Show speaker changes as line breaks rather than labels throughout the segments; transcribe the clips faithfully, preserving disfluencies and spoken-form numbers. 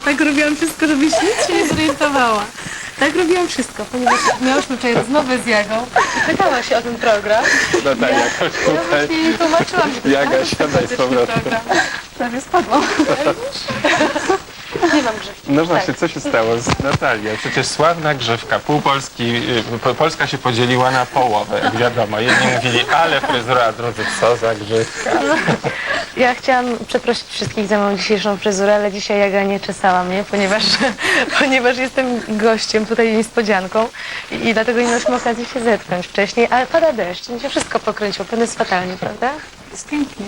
Tak robiłam wszystko, żebyś nic się nie zorientowała. Tak robiłam wszystko, ponieważ miałyśmy wczoraj rozmowę z Jagą i pytała się o ten program.
Natalia, chodź
Ja
tutaj.
właśnie jej tłumaczyłam, że to jest
Jaga,
bardzo
siadaj z
sympatyczny
powrotem.
program. Prawie spadłam. Nie mam grzewki.
No właśnie, co się stało z Natalią? Przecież sławna grzywka. Pół Polski, y, po- Polska się podzieliła na połowę, jak wiadomo. Jedni mówili, ale fryzura, a drudzy, co za grzywka.
Ja chciałam przeprosić wszystkich za moją dzisiejszą fryzurę, ale dzisiaj Jaga nie czesała mnie, ponieważ, ponieważ jestem gościem, tutaj niespodzianką i, i dlatego nie mieliśmy okazji się zetknąć wcześniej, ale pada deszcz, mi się wszystko pokręciło, pewnie jest fatalnie, prawda?
Jest pięknie.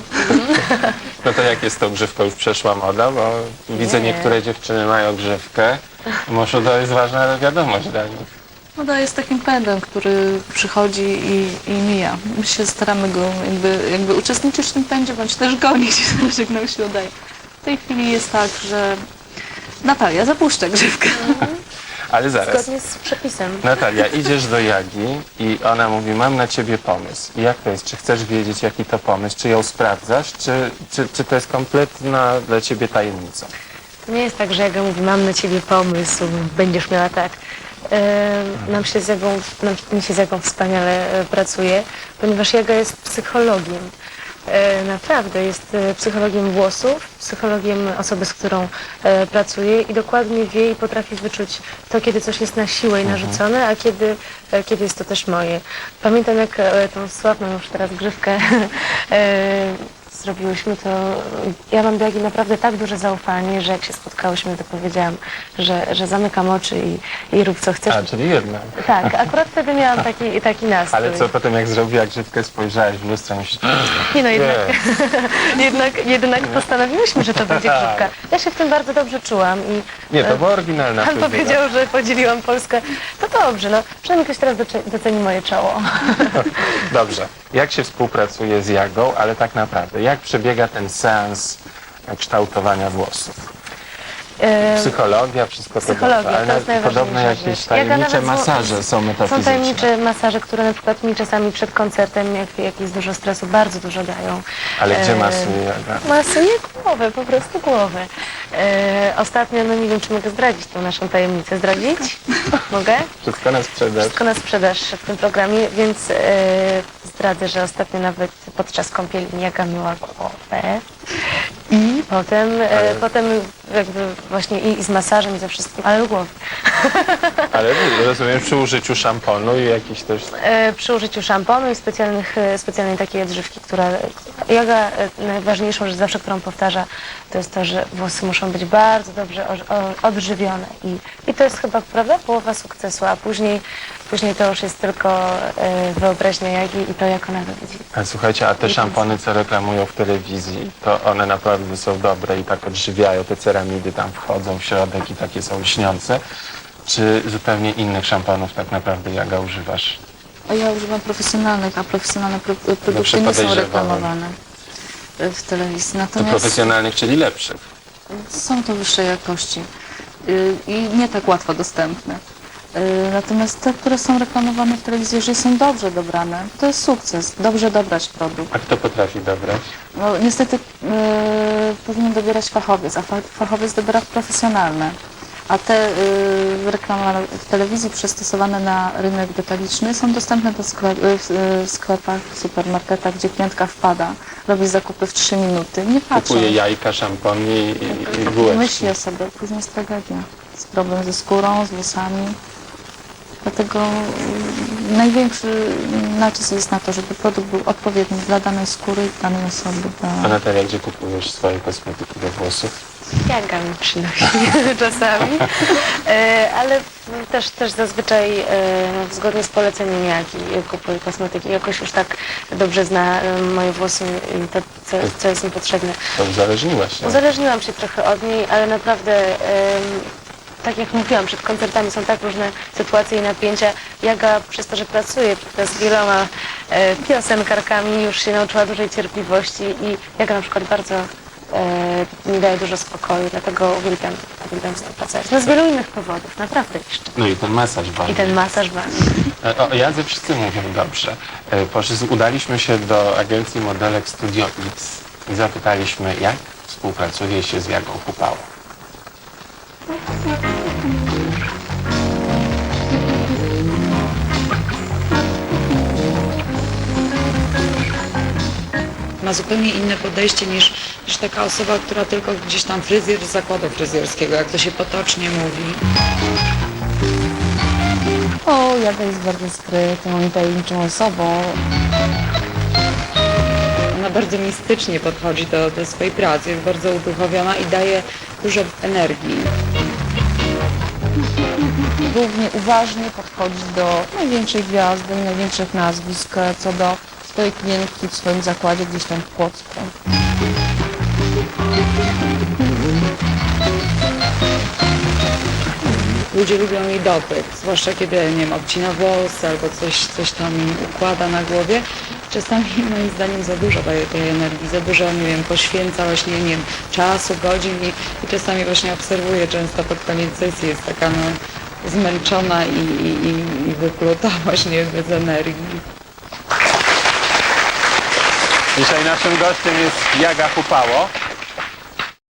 No to jak jest z tą grzywką? Już przeszła moda, bo widzę
Nie.
niektóre dziewczyny mają grzywkę. Może to jest ważna wiadomość dla nich.
Moda jest takim pędem, który przychodzi i, i mija. My się staramy go jakby, jakby uczestniczyć w tym pędzie, bądź też gonić, zależy jak nam się udaje. W tej chwili jest tak, że Natalia zapuszcza grzywkę.
Ale zaraz.
Zgodnie z przepisem.
Natalia, idziesz do Jagi i ona mówi, mam na ciebie pomysł. I jak to jest? Czy chcesz wiedzieć, jaki to pomysł? Czy ją sprawdzasz? Czy, czy, czy to jest kompletna dla ciebie tajemnica?
To nie jest tak, że Jaga mówi, mam na ciebie pomysł, będziesz miała tak. E, nam się z Jagą, nam, mi się z Jagą wspaniale e, pracuje, ponieważ Jaga jest psychologiem. E, naprawdę jest e, psychologiem włosów, psychologiem osoby, z którą e, pracuje i dokładnie wie i potrafi wyczuć to, kiedy coś jest na siłę i narzucone, a kiedy, e, kiedy jest to też moje. Pamiętam, jak e, tą sławną już teraz grzywkę e, zrobiłyśmy, to ja mam do Jagi naprawdę tak duże zaufanie, że jak się spotkałyśmy, to powiedziałam, że, że zamykam oczy i, i rób co chcesz.
A, czyli jednak.
Tak, akurat wtedy miałam taki, taki nastrój.
Ale co potem, jak zrobiła grzywkę, spojrzałaś w lustro i myślisz,
Nie no, jednak,
nie,
jednak, jednak postanowiłyśmy, że to będzie grzywka. Ja się w tym bardzo dobrze czułam i
nie, to była oryginalna
pan
fryzura.
powiedział, że podzieliłam Polskę. To dobrze, no przynajmniej ktoś teraz doce- doceni moje czoło.
Dobrze. Jak się współpracuje z Jagą, ale tak naprawdę, jak przebiega ten seans kształtowania włosów?
E,
Psychologia, wszystko to
Psychologia,
dobrze, ale
to jest
na- podobno
najważniejsza
jakieś
rzecz. Jaga
tajemnicze
nawet zło-
masaże są
Są
metafizyczne.
tajemnicze masaże, które na przykład mi czasami przed koncertem, jak, jak jest dużo stresu, bardzo dużo dają.
Ale gdzie
E,
masuje Jaga?
Masuje głowę, po prostu głowę. E, ostatnio, no nie wiem, czy mogę zdradzić tą naszą tajemnicę. Zdradzić? Mogę?
Wszystko na sprzedaż.
Wszystko na sprzedaż w tym programie, więc e, zdradzę, że ostatnio nawet podczas kąpieli Jaga myła głowę. I potem, e,
Ale-
potem jakby właśnie i, i z masażem i ze wszystkim, ale do głowy.
Ale rozumiem, przy użyciu szamponu i jakiś też...
E, przy użyciu szamponu i specjalnych, e, specjalnej takiej odżywki, która Jaga e, najważniejszą rzecz zawsze, którą powtarza, to jest to, że włosy muszą być bardzo dobrze o, o, odżywione i, i to jest chyba, prawda, połowa sukcesu, a później, później to już jest tylko e, wyobraźnia Jagi i to, jak ona to widzi.
A słuchajcie, a te szampony, co reklamują w telewizji, to one naprawdę są dobre i tak odżywiają, te ceramidy tam wchodzą w środek i takie są lśniące. Czy zupełnie innych szamponów tak naprawdę, Jaga, używasz?
A ja używam profesjonalnych, a profesjonalne pro, produkty
Dobrze
nie są
podejrzewałem.
reklamowane w telewizji.
To
Natomiast
profesjonalnych, czyli lepszych.
są to wyższej jakości y, i nie tak łatwo dostępne. Y, Natomiast te, które są reklamowane w telewizji, jeżeli są dobrze dobrane, to jest sukces. Dobrze dobrać produkt.
A kto potrafi dobrać?
No, niestety y, powinien dobierać fachowiec, a fa fachowiec dobiera profesjonalne. A te y, reklamowane w telewizji przystosowane na rynek detaliczny są dostępne do sklep w, w sklepach, w supermarketach, gdzie klientka wpada, robi zakupy w trzy minuty, nie patrzy.
Kupuje jajka, szampon i, i, i bułeczki.
Myśli o sobie, później jest tragedia. Jest problem ze skórą, z włosami. Dlatego y, największy nacisk jest na to, żeby produkt był odpowiedni dla danej skóry i danej osoby.
A
Dla...
Natalia, gdzie kupujesz swoje kosmetyki do włosów?
Jaga mi przynosi czasami, e, ale też, też zazwyczaj e, zgodnie z poleceniem Jagi kupuję kosmetyki. Jakoś już tak dobrze zna e, moje włosy i to, co, co jest mi potrzebne.
To uzależniłaś się.
Uzależniłam się trochę od niej, ale naprawdę, em, tak jak mówiłam, przed koncertami są tak różne sytuacje i napięcia. Jaga przez to, że pracuje z wieloma e, piosenkarkami, już się nauczyła dużej cierpliwości i Jaga na przykład bardzo e, mi daje dużo spokoju, dlatego uwielbiam, uwielbiam z nią pracować. No z wielu innych powodów, naprawdę jeszcze.
No i ten masaż
I
ważny.
ten masaż ważny.
O, o Jadze wszyscy mówią dobrze. E, Poszli, udaliśmy się do agencji modelek Studio X i zapytaliśmy, jak współpracuje się z Jagą Kupałą.
Ma zupełnie inne podejście niż, niż taka osoba, która tylko gdzieś tam fryzjer z zakładu fryzjerskiego, jak to się potocznie mówi.
O, Jaga jest bardzo skrytą i tajemniczą osobą.
Ona bardzo mistycznie podchodzi do, do swojej pracy, jest bardzo uduchowiona i daje dużo energii.
Głównie uważnie podchodzi do największej gwiazdy, największych nazwisk, co do swojej klientki w swoim zakładzie gdzieś tam w Płocku.
Ludzie lubią jej dotyk, zwłaszcza kiedy, nie wiem, obcina włosy albo coś, coś tam im układa na głowie. Czasami moim zdaniem za dużo daje tej energii, za dużo, nie wiem, poświęca właśnie, nie wiem, czasu, godzin i, i czasami właśnie obserwuję często pod koniec sesji jest taka no, zmęczona i, i, i, i wypluta właśnie bez energii.
Dzisiaj naszym gościem jest Jaga Hupało.